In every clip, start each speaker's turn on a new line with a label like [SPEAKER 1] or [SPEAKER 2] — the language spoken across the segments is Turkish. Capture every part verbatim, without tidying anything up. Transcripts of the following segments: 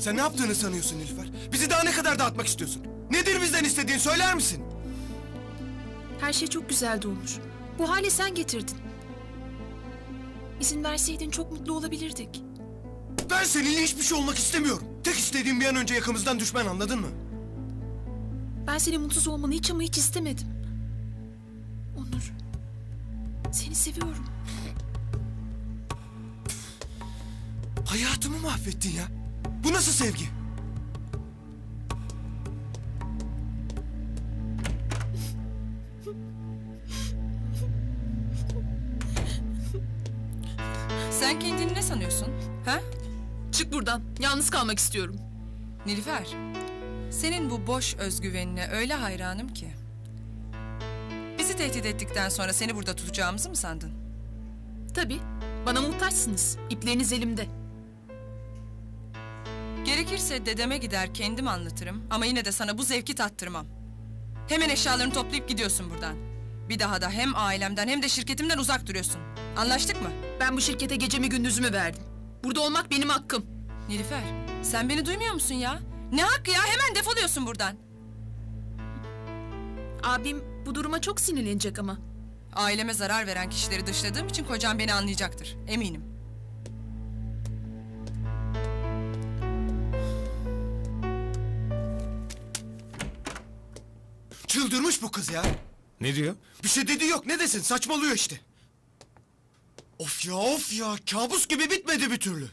[SPEAKER 1] Sen ne yaptığını sanıyorsun Nilüfer? Bizi daha ne kadar dağıtmak istiyorsun? Nedir bizden istediğin, söyler misin?
[SPEAKER 2] Her şey çok güzeldi Onur. Bu hale sen getirdin. İzin verseydin çok mutlu olabilirdik.
[SPEAKER 1] Ben seninle hiçbir şey olmak istemiyorum. Tek istediğim bir an önce yakamızdan düşmen, anladın mı?
[SPEAKER 2] Ben senin mutsuz olmanı hiç ama hiç istemedim. Onur, seni seviyorum.
[SPEAKER 1] Hayatımı mahvettin ya. Bu nasıl sevgi?
[SPEAKER 3] Sen kendini ne sanıyorsun? Ha?
[SPEAKER 2] Çık buradan. Yalnız kalmak istiyorum.
[SPEAKER 3] Nilüfer, senin bu boş özgüvenine öyle hayranım ki. Bizi tehdit ettikten sonra seni burada tutacağımızı mı sandın?
[SPEAKER 2] Tabii. Bana muhtaçsınız. İpleriniz elimde.
[SPEAKER 3] Gerekirse dedeme gider kendim anlatırım ama yine de sana bu zevki tattırmam. Hemen eşyalarını toplayıp gidiyorsun buradan. Bir daha da hem ailemden hem de şirketimden uzak duruyorsun. Anlaştık mı?
[SPEAKER 2] Ben bu şirkete gecemi gündüzümü verdim. Burada olmak benim hakkım.
[SPEAKER 3] Nilüfer, sen beni duymuyor musun ya? Ne hakkı ya? Hemen defoluyorsun buradan.
[SPEAKER 2] Abim bu duruma çok sinirlenecek ama.
[SPEAKER 3] Aileme zarar veren kişileri dışladığım için kocam beni anlayacaktır. Eminim.
[SPEAKER 1] Çıldırmış bu kız ya.
[SPEAKER 4] Ne diyor?
[SPEAKER 1] Bir şey dediği yok, ne desin, saçmalıyor işte. Of ya of ya, kabus gibi bitmedi bir türlü.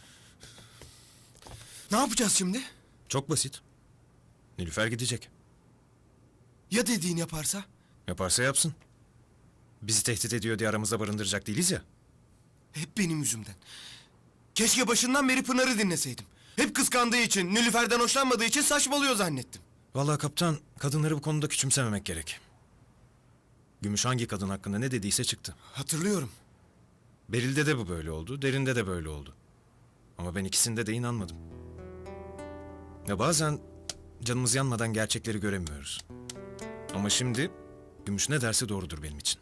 [SPEAKER 1] Ne yapacağız şimdi?
[SPEAKER 4] Çok basit. Nilüfer gidecek.
[SPEAKER 1] Ya dediğini yaparsa?
[SPEAKER 4] Yaparsa yapsın. Bizi tehdit ediyor diye aramızda barındıracak değiliz ya.
[SPEAKER 1] Hep benim yüzümden. Keşke başından beri Pınar'ı dinleseydim. Hep kıskandığı için, Nilüfer'den hoşlanmadığı için saçmalıyor zannettim.
[SPEAKER 4] Vallahi kaptan, kadınları bu konuda küçümsememek gerek. Gümüş hangi kadın hakkında ne dediyse çıktı.
[SPEAKER 1] Hatırlıyorum.
[SPEAKER 4] Beril'de de bu böyle oldu, Derin'de de böyle oldu. Ama ben ikisinde de inanmadım. Ya bazen canımız yanmadan gerçekleri göremiyoruz. Ama şimdi Gümüş ne derse doğrudur benim için.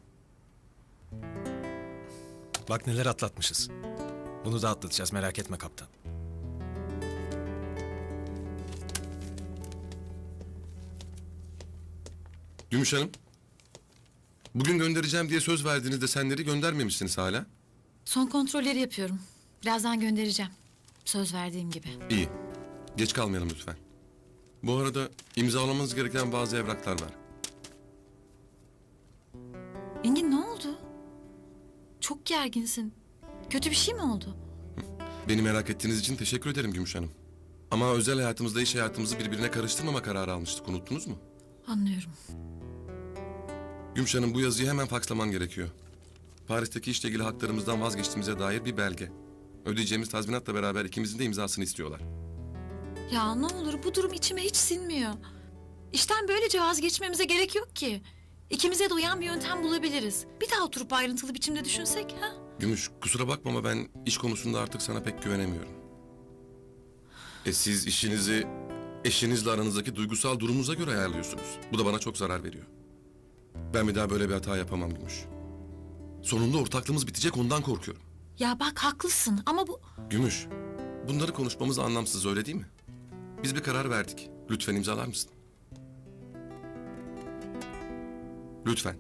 [SPEAKER 4] Bak neler atlatmışız. Bunu da atlatacağız, merak etme kaptan.
[SPEAKER 5] Gümüş Hanım, bugün göndereceğim diye söz verdiğinizde senleri göndermemişsiniz hala.
[SPEAKER 6] Son kontrolleri yapıyorum. Birazdan göndereceğim. Söz verdiğim gibi.
[SPEAKER 5] İyi, geç kalmayalım lütfen. Bu arada imzalamanız gereken bazı evraklar var.
[SPEAKER 6] Engin ne oldu? Çok gerginsin. Kötü bir şey mi oldu?
[SPEAKER 5] Beni merak ettiğiniz için teşekkür ederim Gümüş Hanım. Ama özel hayatımızla iş hayatımızı birbirine karıştırmama kararı almıştık, unuttunuz mu?
[SPEAKER 6] Anlıyorum.
[SPEAKER 5] Gümüş Hanım, bu yazıyı hemen fakslaman gerekiyor. Paris'teki işle ilgili haklarımızdan vazgeçtiğimize dair bir belge. Ödeyeceğimiz tazminatla beraber ikimizin de imzasını istiyorlar.
[SPEAKER 6] Ya ne olur, bu durum içime hiç sinmiyor. İşten böylece vazgeçmemize gerek yok ki. İkimize de uyan bir yöntem bulabiliriz. Bir daha oturup ayrıntılı biçimde düşünsek ha?
[SPEAKER 5] Gümüş, kusura bakma ama ben iş konusunda artık sana pek güvenemiyorum. E siz işinizi eşinizle aranızdaki duygusal durumunuza göre ayarlıyorsunuz. Bu da bana çok zarar veriyor. Ben bir daha böyle bir hata yapamam Gümüş. Sonunda ortaklığımız bitecek, ondan korkuyorum.
[SPEAKER 6] Ya bak haklısın ama bu...
[SPEAKER 5] Gümüş, bunları konuşmamız anlamsız, öyle değil mi? Biz bir karar verdik. Lütfen imzalar mısın? Lütfen.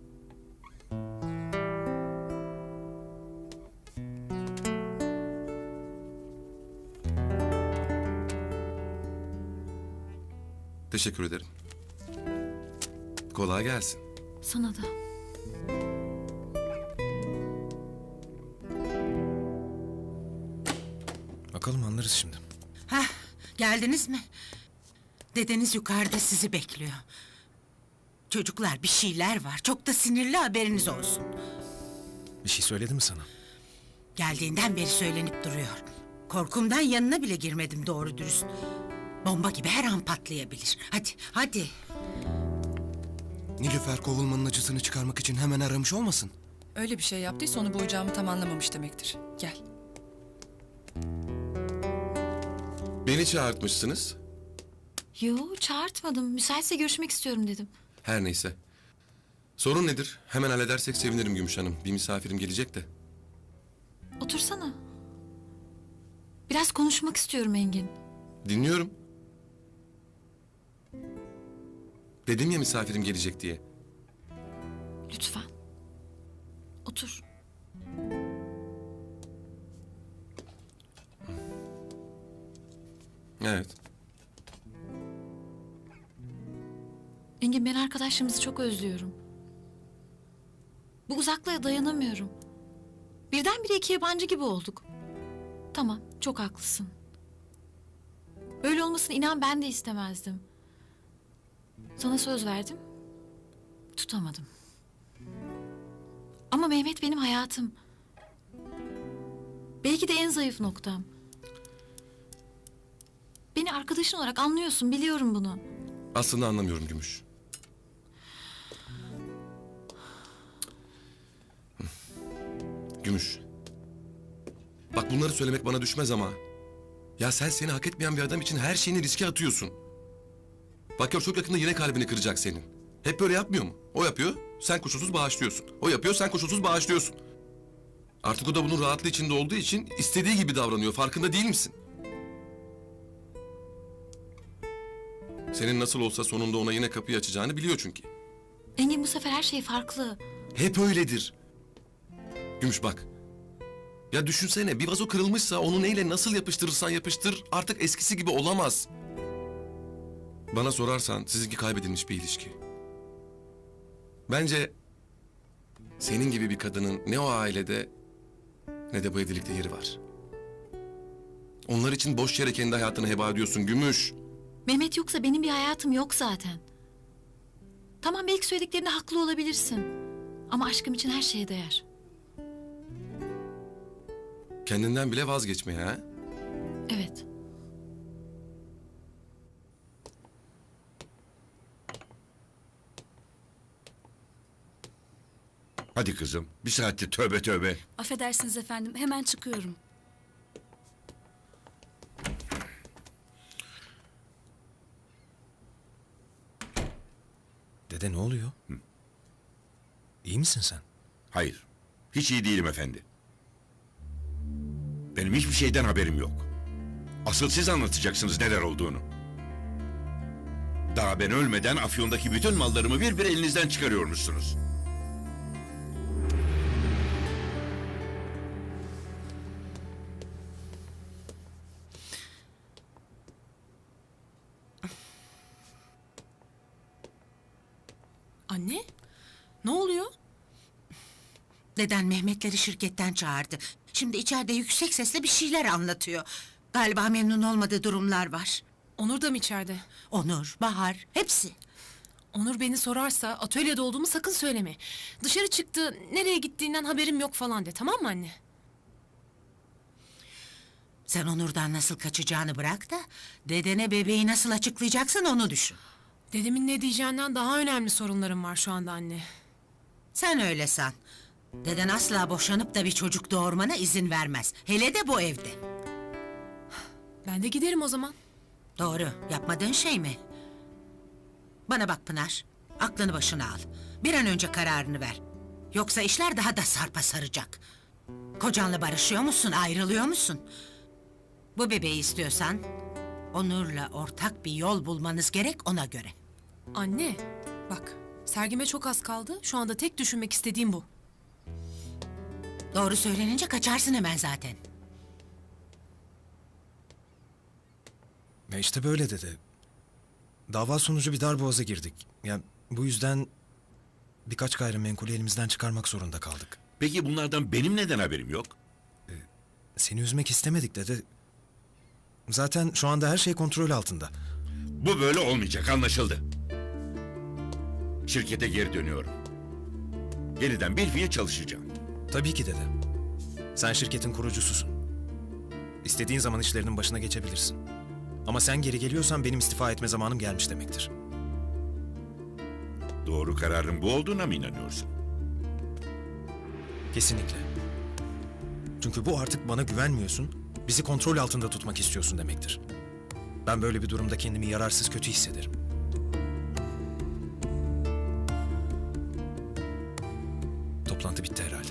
[SPEAKER 5] Teşekkür ederim. Kolay gelsin.
[SPEAKER 6] Sana da.
[SPEAKER 4] Bakalım anlarız şimdi.
[SPEAKER 7] Hah, geldiniz mi? Dedeniz yukarıda sizi bekliyor. Çocuklar, bir şeyler var. Çok da sinirli, haberiniz olsun.
[SPEAKER 4] Bir şey söyledi mi sana?
[SPEAKER 7] Geldiğinden beri söylenip duruyor. Korkumdan yanına bile girmedim doğru dürüst. Bomba gibi her an patlayabilir. Hadi, hadi.
[SPEAKER 1] Nilüfer kovulmanın acısını çıkarmak için hemen aramış olmasın?
[SPEAKER 3] Öyle bir şey yaptıysa onu boyayacağımı tam anlamamış demektir. Gel.
[SPEAKER 5] Beni çağırtmışsınız.
[SPEAKER 6] Yo, çağırtmadım. Müsaitse görüşmek istiyorum dedim.
[SPEAKER 5] Her neyse. Sorun nedir? Hemen halledersek sevinirim Gümüş Hanım. Bir misafirim gelecek de.
[SPEAKER 6] Otursana. Biraz konuşmak istiyorum Engin.
[SPEAKER 5] Dinliyorum. Dedim ya misafirim gelecek diye.
[SPEAKER 6] Lütfen. Otur.
[SPEAKER 5] Evet.
[SPEAKER 6] Engin, ben arkadaşlarımızı çok özlüyorum. Bu uzaklığa dayanamıyorum. Birdenbire iki yabancı gibi olduk. Tamam, çok haklısın. Böyle olmasını inan ben de istemezdim. Sana söz verdim. Tutamadım. Ama Mehmet benim hayatım. Belki de en zayıf noktam. Beni arkadaşın olarak anlıyorsun, biliyorum bunu.
[SPEAKER 5] Aslında anlamıyorum Gümüş. Gümüş. Bak bunları söylemek bana düşmez ama... Ya sen seni hak etmeyen bir adam için her şeyini riske atıyorsun. Bak gör çok yakında yine kalbini kıracak senin. Hep böyle yapmıyor mu? O yapıyor, sen koşulsuz bağışlıyorsun. O yapıyor, sen koşulsuz bağışlıyorsun. Artık o da bunun rahatlığı içinde olduğu için istediği gibi davranıyor. Farkında değil misin? Senin nasıl olsa sonunda ona yine kapıyı açacağını biliyor çünkü.
[SPEAKER 6] Engin, bu sefer her şey farklı.
[SPEAKER 5] Hep öyledir. Gümüş bak. Ya düşünsene bir vazo kırılmışsa onu neyle nasıl yapıştırırsan yapıştır artık eskisi gibi olamaz. Bana sorarsan sizinki kaybedilmiş bir ilişki. Bence senin gibi bir kadının ne o ailede ne de bu evlilikte yeri var. Onlar için boş yere kendi hayatını heba ediyorsun Gümüş.
[SPEAKER 6] Mehmet yoksa benim bir hayatım yok zaten. Tamam, belki söylediklerinde haklı olabilirsin. Ama aşkım için her şeye değer.
[SPEAKER 5] Kendinden bile vazgeçmeye ha?
[SPEAKER 6] Evet.
[SPEAKER 8] Hadi kızım, bir saattir tövbe tövbe.
[SPEAKER 9] Affedersiniz efendim, hemen çıkıyorum.
[SPEAKER 4] Dede ne oluyor? İyi misin sen?
[SPEAKER 8] Hayır, hiç iyi değilim efendi. Benim hiçbir şeyden haberim yok. Asıl siz anlatacaksınız neler olduğunu. Daha ben ölmeden Afyon'daki bütün mallarımı bir bir elinizden çıkarıyormuşsunuz.
[SPEAKER 2] Anne, ne oluyor?
[SPEAKER 7] Deden Mehmetleri şirketten çağırdı. Şimdi içeride yüksek sesle bir şeyler anlatıyor. Galiba memnun olmadığı durumlar var.
[SPEAKER 2] Onur da mı içeride?
[SPEAKER 7] Onur, Bahar, hepsi.
[SPEAKER 2] Onur beni sorarsa atölyede olduğumu sakın söyleme. Dışarı çıktı, nereye gittiğinden haberim yok falan de, tamam mı anne?
[SPEAKER 7] Sen Onur'dan nasıl kaçacağını bırak da... ...dedene bebeği nasıl açıklayacaksın onu düşün.
[SPEAKER 2] Dedemin ne diyeceğinden daha önemli sorunlarım var şu anda anne.
[SPEAKER 7] Sen öyle san. Deden asla boşanıp da bir çocuk doğurmana izin vermez. Hele de bu evde.
[SPEAKER 2] Ben de giderim o zaman.
[SPEAKER 7] Doğru, yapmadığın şey mi? Bana bak Pınar, aklını başına al. Bir an önce kararını ver. Yoksa işler daha da sarpa saracak. Kocanla barışıyor musun, ayrılıyor musun? Bu bebeği istiyorsan... ...Onur'la ortak bir yol bulmanız gerek ona göre.
[SPEAKER 2] Anne, bak sergime çok az kaldı. Şu anda tek düşünmek istediğim bu.
[SPEAKER 7] Doğru söylenince kaçarsın hemen zaten.
[SPEAKER 4] Ya işte böyle dede. Dava sonucu bir darboğaza girdik. Yani bu yüzden birkaç gayrimenkulü elimizden çıkarmak zorunda kaldık.
[SPEAKER 8] Peki bunlardan benim neden haberim yok?
[SPEAKER 4] Seni üzmek istemedik dede. Zaten şu anda her şey kontrol altında.
[SPEAKER 8] Bu böyle olmayacak, anlaşıldı. Şirkete geri dönüyorum. Yeniden bir fiil çalışacağım.
[SPEAKER 4] Tabii ki dede. Sen şirketin kurucususun. İstediğin zaman işlerinin başına geçebilirsin. Ama sen geri geliyorsan benim istifa etme zamanım gelmiş demektir.
[SPEAKER 8] Doğru kararın bu olduğuna mı inanıyorsun?
[SPEAKER 4] Kesinlikle. Çünkü bu artık bana güvenmiyorsun, bizi kontrol altında tutmak istiyorsun demektir. Ben böyle bir durumda kendimi yararsız kötü hissederim. Toplantı bitti herhalde.